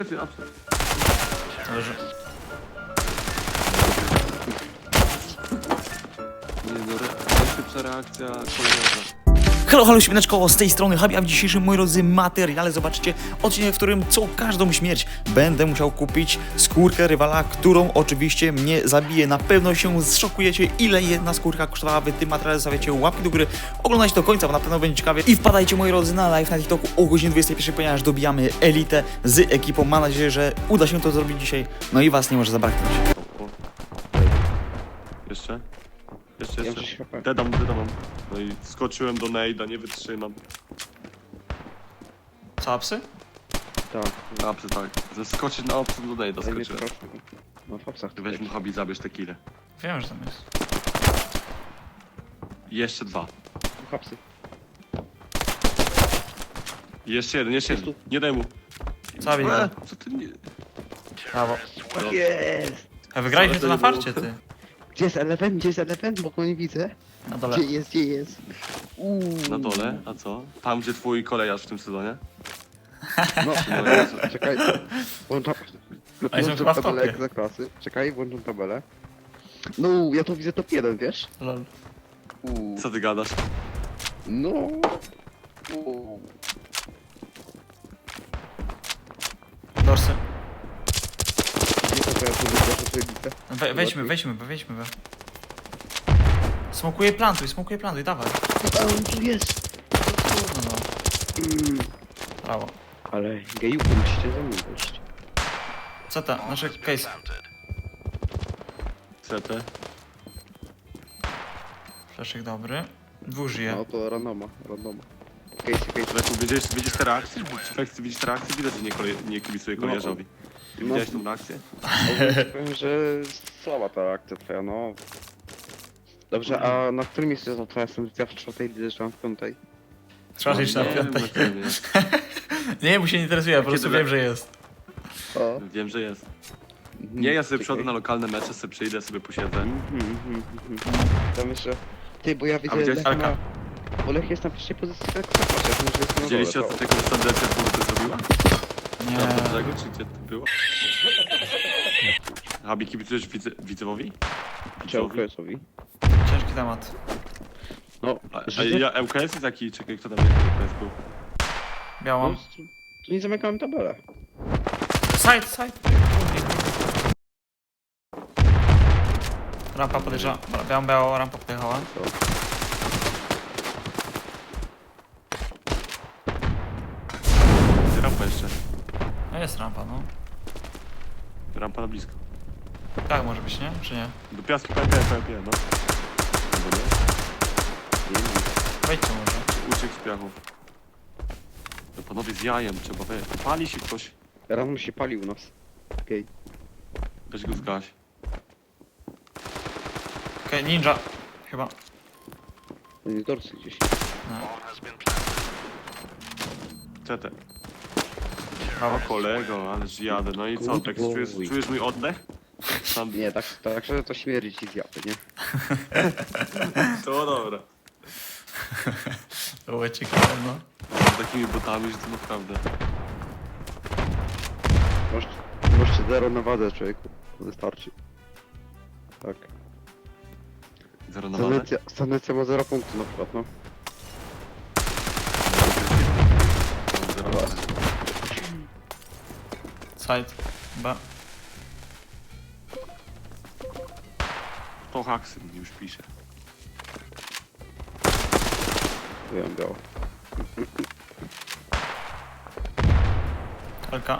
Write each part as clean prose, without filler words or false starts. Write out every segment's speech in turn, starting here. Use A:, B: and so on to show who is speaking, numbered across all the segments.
A: Leży.
B: Nie no, najszybsza reakcja kolejna.
A: Halo, śmieneczko, z tej strony Habi, a w dzisiejszym, moi drodzy, materiale zobaczycie odcinek, w którym co każdą śmierć będę musiał kupić skórkę rywala, którą oczywiście mnie zabije. Na pewno się zszokujecie, ile jedna skórka kosztowała. Wy tym materiale zostawiacie łapki do góry, oglądajcie do końca, bo na pewno będzie ciekawie. I wpadajcie, moi drodzy, na live na TikToku o godzinie 21, ponieważ dobijamy elitę z ekipą. Mam nadzieję, że uda się to zrobić dzisiaj, no i was nie może zabraknąć.
B: Jeszcze?
C: Ja
B: Jeszcze.
C: gdzieś HP.
B: Dedam. No i skoczyłem do nejda, nie wytrzymam.
A: Co, psy?
C: Tak.
B: Apsy tak. Zeskoczyć na opcję do nejda
C: Daj mi
B: skoczyłem.
C: proszę. No w opsach
B: Weź mu hobby, zabierz te kile.
A: Wiem, że tam jest.
B: Jeszcze dwa.
C: Hapsy.
B: Jeszcze jeden.
C: Jest tu.
B: Nie daj mu.
A: Zabij go.
B: Co ty nie...
A: Brawo.
C: Tak jest!
A: A wygraliśmy
B: Co,
A: to
B: to
A: na
B: nie było?
A: farcie, ty.
C: Gdzie jest Eleven? Gdzie jest Eleven? Bo go nie widzę.
A: Na dole.
C: Gdzie jest?
B: Na dole? A co? Tam gdzie twój kolejarz w tym sezonie?
C: No,
B: No Jezu.
C: czekaj. Włączam...
A: A jestem chyba w
C: tabelę
A: topie.
C: jak za klasy. Czekaj, włączam tabelę. No, ja to widzę top 1, wiesz?
A: Lol.
B: Co ty gadasz?
C: No.
A: Dorsy.
C: Nie to ja tu widzę, że to widzę.
A: Wejdźmy. Smokuję plantuj, dawaj.
C: A on tu jest!
A: No. Brawo.
C: Ale gejuku musicie ze mną wejść.
A: Co to? Nasze case.
B: CT.
A: Fleszek dobry. Dwóch żyje.
C: No to randoma. Case.
B: Leku, widzisz te reakcje? Czy Flex, widzisz te reakcje? Widać, że nie kibicuje kolejarzowi. Ty
C: No.
B: widziałeś tą reakcję?
C: Powiem, że słaba ta reakcja twoja, no. Dobrze, a na którym miejscu jest twoja sentencja w czwartej lidze, czy mam w piątej?
A: Trzeba iść na
B: Nie,
A: piątek.
B: na którym jest.
A: Nie, mu się nie interesuje, ja po prostu
B: Kiedy
A: wiem, że jest.
C: O.
B: Wiem, że jest. Nie, ja sobie przychodzę na lokalne mecze, sobie przyjdę, sobie posiedzę.
C: Tam jeszcze... Ty, bo ja widzę
B: widziałeś
C: Lecha
A: Alka?
C: na... Bo Lech jest na pierwszej pozycji w Ekstraklasie, ja myślę, że jest na
B: Widzieliście
C: dole,
B: ostatniego standardzie, który to zrobiła? Tam do
A: Nie.
B: brzegu, czy gdzie to było? Habi, kibicujesz Widzewowi?
C: to. Czy LKS-owi?
A: Ciężki temat.
C: No,
B: A ja ŁKS jest taki, czekaj, kto tam ŁKS był?
A: Białą.
C: No, tu nie zamykałem tabelę.
A: Side. Rampa podejrzała. Białą, rampa podjechała.
B: Gdzie rampa jeszcze?
A: No jest rampa, no.
B: Rampa na blisko.
A: Tak może być, nie? Czy nie?
B: Do piasku PLP, no. Albo nie?
C: Nie wiem.
A: Wejdźcie może.
B: Uciekł z piachów. No panowie z jajem, trzeba pali się ktoś.
C: Rano się palił u nas. Okej.
B: Weź go zgaś.
A: Okej, ninja. Chyba.
C: Nie dorsy gdzieś.
A: No.
B: CT.
A: Brawo.
B: O kolego, ależ jadę. No i co,
C: Good
B: tak
C: boy.
B: czujesz mój oddech? Tam...
C: Nie, tak szczerze to śmierdzi ci z japy, nie?
B: To dobra.
A: To było ciekawe, no.
B: Z takimi botami, że to naprawdę.
C: Możecie zero na wadze, człowieku. Wystarczy. Tak.
B: Zero na wadę.
C: Stanecja ma 0 punktów na przykład, no.
B: Zero na wadę.
A: Side. Chyba.
B: To haksy mi już pisze.
C: Byłem biało.
A: Alka.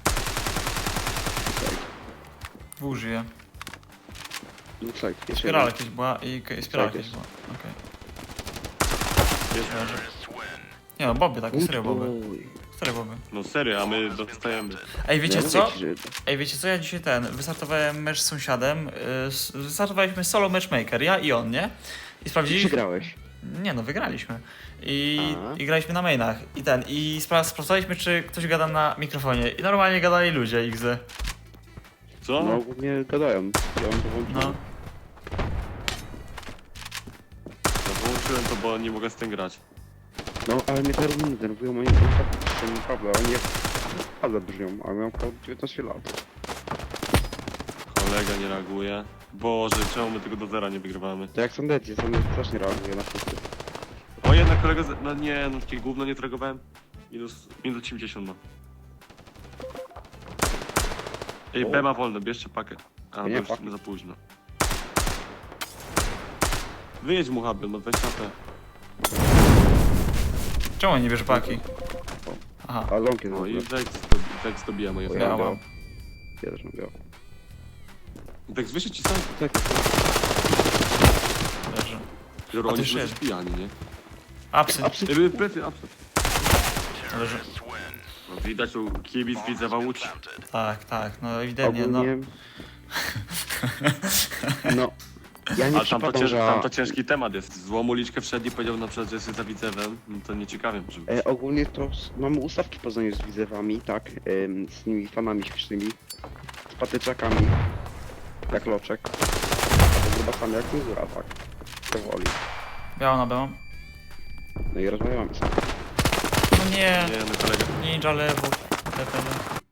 A: Dwóch żyje.
C: Looks like. Jeszcze
A: Spirala
C: jeden.
A: jakieś była i spirala
C: Tak
A: jakieś
C: jest.
A: była. Okej.
B: Jest.
A: Nie no, boby, tak, serio boby.
C: Oj.
A: Serio boby.
B: No serio, a my dostajemy.
A: Ej, wiecie
C: Ja
A: co?
C: mówię ci, że-
A: Ej, wiecie co? Ja dzisiaj wystartowałem mecz z sąsiadem. Wystartowaliśmy solo matchmaker, ja i on, nie? I sprawdziliśmy.
C: Przegrałeś.
A: Nie no, wygraliśmy.
C: Aha.
A: I graliśmy na mainach. I sprawdzaliśmy, czy ktoś gada na mikrofonie. I normalnie gadali ludzie XD.
B: Co?
C: No ogólnie gadają. Ja mam to włączone.
A: No.
B: Ja połączyłem to, bo nie mogę z tym grać.
C: No, ale mnie te runy denerwują, moim kontaktem, naprawdę, oni jak ale brzmią, a miałem około 19 lat.
B: Kolega nie reaguje. Boże, czemu my tego do zera nie wygrywamy?
C: To jak są też nie reaguje na wszyscy.
B: O, jednak kolega no nie, no takie gówno nie tragowałem. Minus 80 ma. Ej, B ma wolne, bierzcie pakę. A, to
C: Nie,
B: już
C: pakę.
B: za późno. Wyjedź mu Habel, no 20 AP.
A: Czemu nie bierze paki? Aha,
C: A ląki
B: No
C: no
B: i
C: i
B: Vex dobija moje
C: O,
A: ja
B: fragi.
A: mam.
C: ja też mam biał.
B: Vex wyszedł ci sam.
C: Tak,
A: leży.
B: Joro,
A: A
B: oni
A: ty
B: są
A: szedł.
B: coś pijani, nie?
A: Apsy,
B: Ej, plecy, absent.
A: leży.
B: No, widać u kibic Widzewa Łódź.
A: Tak, no ewidentnie, no.
C: ogólnie... No. Ja nie
B: Ale tam
C: przypadam, że...
B: to ciężki temat jest. Złą uliczkę wszedł i powiedział na przykład, że jest za Widzewem. No to nieciekawie może być.
C: Ogólnie to mamy ustawki w Poznaniu z widzewami, tak? Z tymi fanami śmiesznymi. Z patyczakami. Jak loczek. A to grubasami jak cenzura, tak? Powoli.
A: Biało na B.
C: No i rozmawiamy sobie.
A: No nie,
B: Nie, no kolega.
A: ninja lewo. TPD.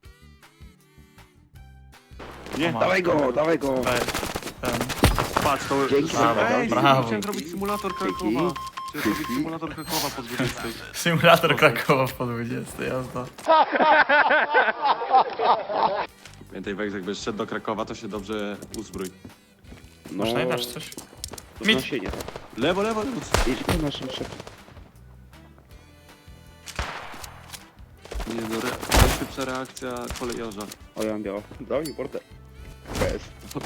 B: Nie,
A: O,
C: Dawaj go, dawaj go!
A: Ten.
B: patrz, to...
C: Dzięki,
A: brawo,
B: Ej,
A: brawo.
B: chciałem zrobić symulator Krakowa. Chciałem zrobić symulator Krakowa po 20.
A: Symulator Krakowa po 20, jazda.
B: Pamiętaj, Vex, jakbyś szedł do Krakowa, to się dobrze uzbrój.
C: No,
A: Masz najdasz coś?
C: to
A: Mit.
C: znosienie, tak.
B: Lewo, lewo, lewo.
C: Idź po naszym szefie.
B: Nie no, najszybsza reakcja kolejarza.
C: O, ja mam biało. Daj mi bordę. Bez.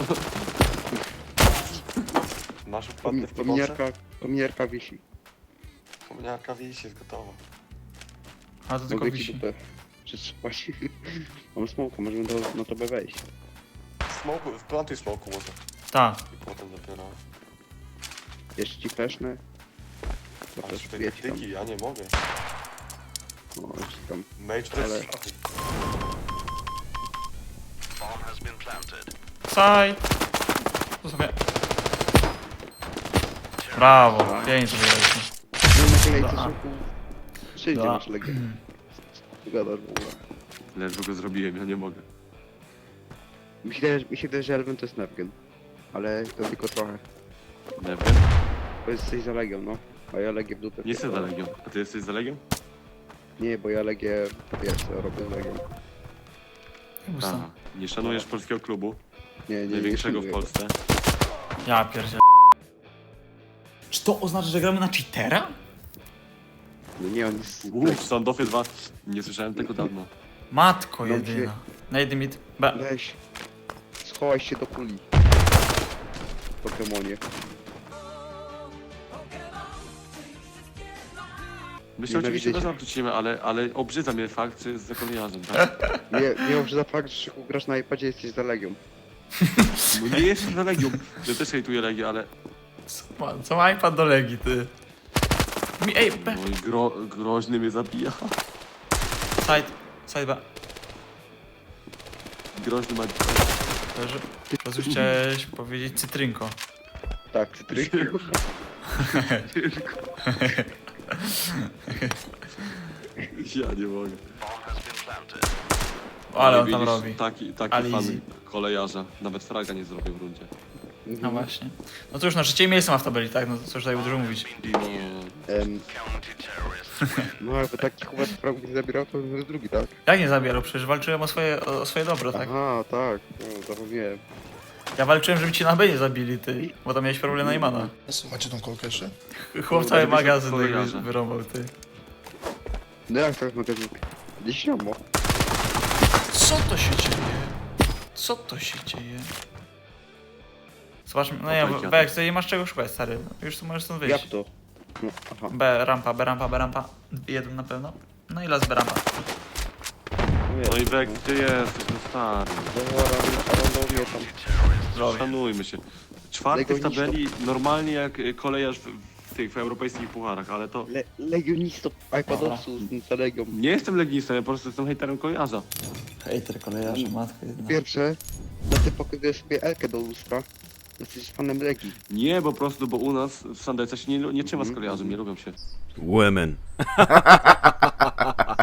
D: Masz wpadny w pomocy?
C: Kominiarka wisi.
D: Kominiarka wisi, jest gotowa.
A: A to tylko
C: Mogę ci
A: wisi.
C: dupę przetrzymać. Mam smoka, możemy na tobie wejść.
D: Smoku, wplantuj smoku może.
A: Tak.
D: I potem dopiero.
C: Jeszcze ci fleszne. To
D: Ale
C: też
D: tutaj
C: wiecie tam.
D: taktyki, ja nie mogę.
C: No, jeszcze tam.
D: Mage to
C: Ale-
D: jest szachy.
A: Side. To sobie. Brawo, pięknie wygraliśmy.
C: No na kolejce
A: Da.
C: smoku. Przyjdzie
A: Da.
C: nasz legend. Gadasz w ogóle.
B: Ledwo go zrobiłem, ja nie mogę.
C: Mi się wydaje, że Elven to jest Nevgen. Ale to tylko trochę.
B: Nie wiem.
C: Bo jesteś za Legią, no. A ja Legię w dupę.
B: Nie jestem za Legią. A ty jesteś za Legią?
C: Nie, bo ja Legię, wiesz co, robię z Legią.
B: Aha. Nie szanujesz polskiego klubu,
C: Nie,
B: największego w
C: szanuję.
B: Polsce.
A: Ja pierdzielę. Czy to oznacza, że gramy na cheatera?
C: No nie, on jest...
B: Sandofie 2. Nie słyszałem tego dawno.
A: Matko
C: No,
A: jedyna. Na jeden mit. B.
C: Weź. Schowaj się do kuli. Pokemonie.
B: My się oczywiście
C: Nienawidzę
B: bez
C: cię.
B: nawrócimy, ale obrzydza mnie fakt, że jest za kolejarzem, tak?
C: Nie mów, że za fakt, że Szyku grasz na iPadzie, jesteś za Legią.
B: No nie jestem za Legią. Ja też hejtuję Legię, ale...
A: Co ma iPad do Legii, ty? Ej, B.
B: No i groźny mnie zabija.
A: Side B.
B: Groźny ma...
A: Leży. Rozumiem, chciałeś powiedzieć cytrynko.
C: Tak, cytryk.
B: Ja nie mogę.
A: Ale on tam
B: widzisz,
A: robi.
B: Taki
A: Ale
B: fan
A: easy.
B: kolejarza. Nawet fraga nie zrobił w rundzie.
A: No właśnie. No to już na trzecie miejsce ma w tabeli, tak? No to co już tutaj dużo mówić.
B: No,
C: No jakby taki chłopak prawie nie zabierał, to jest drugi, tak?
A: Jak nie zabierał? Przecież walczyłem o swoje dobro, tak?
C: Aha, tak. No, zapomniałem.
A: Ja walczyłem, żeby cię na B nie zabili, ty. Bo tam miałeś problem na Imana.
E: Macie tą kolkę jeszcze?
A: Chłop cały
B: Dobra,
A: magazyn
B: kolejarza.
A: jakby wyrąbał, ty.
C: No jak tak magazyn? Gdzieś siomo.
A: Co to się dzieje? Co to się dzieje? Zobaczmy, no nie,
B: Opajki,
A: Bex, ty nie masz czego szukać, stary. Już tu możesz stąd
C: Jak
A: wyjść.
C: to? No, aha.
A: B rampa, B rampa, B rampa. Jeden na pewno. No i las B rampa.
B: no i Bek, ty jesteś, no stary.
C: Randomię tam.
A: Zdrowie.
B: Szanujmy się. Czwarty w
C: Legionista.
B: tabeli, normalnie jak kolejarz w tych w europejskich pucharach, ale to...
C: Legionistów, iPadowców z Legią.
B: Nie jestem legionistą, ja po prostu jestem hejterem kolejarza.
A: Hejter kolejarza, matko jedna.
C: Pierwsze, no ty pokazujesz sobie Elkę do lustra. Jesteś fanem Legii.
B: Nie, po prostu, bo u nas w Sandece się nie trzyma z kolejarzem, nie lubią się.
F: Women.